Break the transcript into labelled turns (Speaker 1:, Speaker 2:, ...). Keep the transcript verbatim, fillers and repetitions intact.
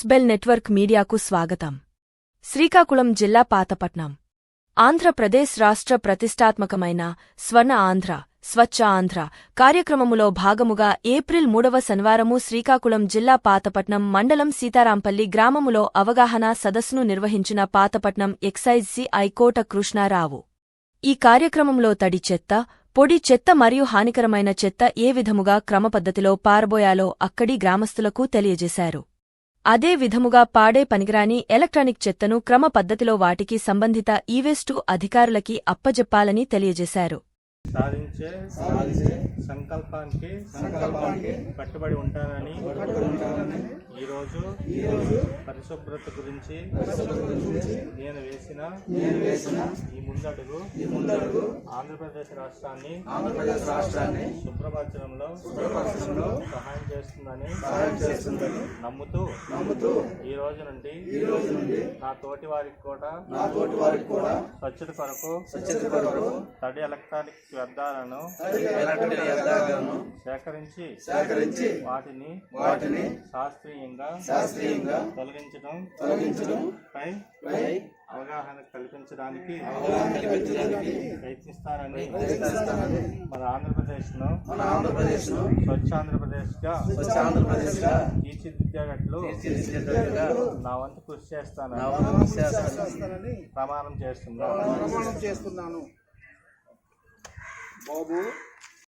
Speaker 1: Bell network మీడియాకు స్వాగతం. శ్రీకాకుళం జిల్లా పాతపట్నం ఆంధ్రప్రదేశ్ రాష్ట్ర ప్రతిష్టాత్మకమైన స్వర్ణ ఆంధ్ర స్వచ్ఛ ఆంధ్ర కార్యక్రమములో భాగముగా ఏప్రిల్ మూడవ శనివారము శ్రీకాకుళం జిల్లా పాతపట్నం మండలం సీతారాంపల్లి గ్రామములో అవగాహన సదస్సును నిర్వహించిన పాతపట్నం ఎక్సైజ్ సిఐ కోట కృష్ణారావు. ఈ కార్యక్రమంలో తడి చెత్త, పొడి చెత్త మరియు హానికరమైన చెత్త ఏ విధముగా క్రమపద్ధతిలో పారబోయాలో అక్కడి గ్రామస్తులకు తెలియజేశారు. అదే విధముగా పాడే పనికిరాని ఎలక్ట్రానిక్ చెత్తను క్రమ పద్ధతిలో వాటికి సంబంధిత ఈవేస్టు అధికారులకి అప్పజెప్పాలని తెలియజేశారు.
Speaker 2: సాధించే సాధించే సంకల్పానికి సంకల్పానికి కట్టుబడి ఉంటానని ఈరోజు ఈరోజు పరిశుభ్రత గురించి నేను వేసిన నేను వేసిన ఈ ముందడుగు ఈ ముందడుగు ఆంధ్రప్రదేశ్ రాష్ట్రాన్ని ఆంధ్రప్రదేశ్ రాష్ట్రాన్ని శుభ్రపరచడంలో శుభ్రపరచడంలో సహాయం చేస్తుందని సహాయం చేస్తుందని నమ్ముతూ నమ్ముతూ ఈ రోజు నుండి ఈ రోజు నుండి నా తోటి వారికి కూడా నా తోటి వారికి కూడా స్వచ్ఛత కొరకు స్వచ్ఛత కొరకు తడి ఎలక్ట్రానిక్ వ్యర్థాలను సేకరించి సేకరించి వాటిని వాటిని శాస్త్రీయంగా శాస్త్రీయంగా తొలగించడం తొలగించడం పై అవగాహన కల్పించడానికి ప్రయత్నిస్తారని మన ఆంధ్రప్రదేశ్ ను మన ఆంధ్రప్రదేశ్ ను స్వచ్ఛ ఆంధ్రప్రదేశ్ గా స్వచ్ఛ ఆంధ్రప్రదేశ్ గా తీర్చిదిద్దేటట్లు నా వంతు కృషి చేస్తానని ప్రమాణం చేస్తున్నాను.
Speaker 3: బాబు